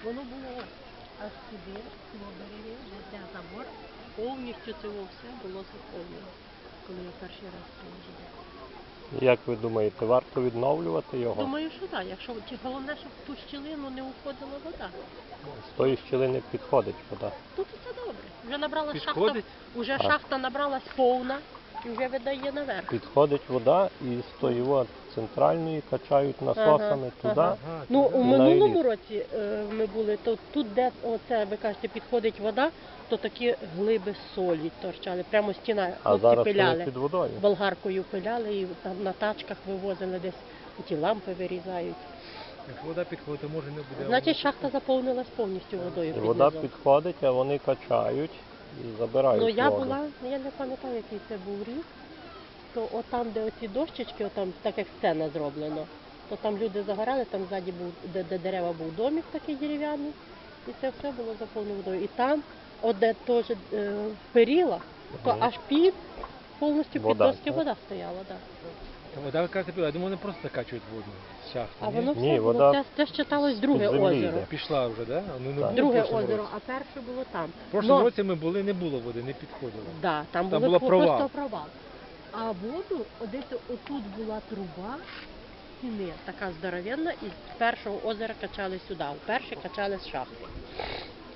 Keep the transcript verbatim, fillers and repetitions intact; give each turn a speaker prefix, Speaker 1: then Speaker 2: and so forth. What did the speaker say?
Speaker 1: Воно було аж сюди, цього береги, де забор, повністю це все було заповнено, коли я перший раз приїжджала.
Speaker 2: Як ви думаєте, варто відновлювати його?
Speaker 1: Думаю, що так. Якщо головне, щоб в ту щілину не уходила вода.
Speaker 2: З тої щілини підходить вода.
Speaker 1: Тут все добре. Вже набрала шахта,
Speaker 3: Підходить?
Speaker 1: вже
Speaker 2: Так.
Speaker 1: шахта набралась повна і вже видає наверх.
Speaker 2: Підходить вода і з тої от центральної качають насосами
Speaker 1: Ага,
Speaker 2: туди.
Speaker 1: ага. Ну, у
Speaker 2: на
Speaker 1: минулому
Speaker 2: еліт.
Speaker 1: році е, ми були, то тут, де оце, ви кажете, підходить вода, то такі глиби солі торчали, прямо стіна,
Speaker 2: А
Speaker 1: хлопці
Speaker 2: зараз вони
Speaker 1: пиляли.
Speaker 2: під водою.
Speaker 1: Болгаркою пиляли і там на тачках вивозили десь, ті лампи вирізають.
Speaker 3: Якщо вода підходить, то може не буде.
Speaker 1: Значить, шахта заповнилась повністю водою
Speaker 2: І
Speaker 1: під
Speaker 2: вода
Speaker 1: низом.
Speaker 2: підходить, а вони качають і забирають
Speaker 1: Ну я
Speaker 2: воду.
Speaker 1: була, я не пам'ятаю, який це був рік, то отам, де оці дощечки, отам, так як сцена зроблено, то там люди загорали, там ззаді був, де, де дерева був домик такий дерев'яний, і це все було заповнено водою. І там, от де теж е, періла, то
Speaker 2: Мгм.
Speaker 1: аж під, повністю під
Speaker 2: Вода,
Speaker 1: доски
Speaker 2: так?
Speaker 1: вода стояла. Да.
Speaker 3: Вода, ви кажете, я думаю, вони просто закачують воду з шахти.
Speaker 1: А
Speaker 3: ні?
Speaker 1: воно все
Speaker 2: Ні,
Speaker 1: було,
Speaker 2: вода
Speaker 1: це, це ще читалось друге
Speaker 2: з-під землі
Speaker 1: озеро.
Speaker 2: йде.
Speaker 3: Пішла вже, да? Ну, не
Speaker 2: Так.
Speaker 3: було
Speaker 1: Друге
Speaker 3: в прошлому
Speaker 1: озеро,
Speaker 3: році.
Speaker 1: а перше було там.
Speaker 3: В прошлому
Speaker 1: Но-
Speaker 3: році ми були, не було води, не підходило.
Speaker 1: Да, там,
Speaker 3: Там
Speaker 1: були
Speaker 3: була
Speaker 1: про-
Speaker 3: провал.
Speaker 1: просто провал. А воду, десь отут була труба стіни, така здоровенна, і з першого озера качали сюди, а перше качали з шахти.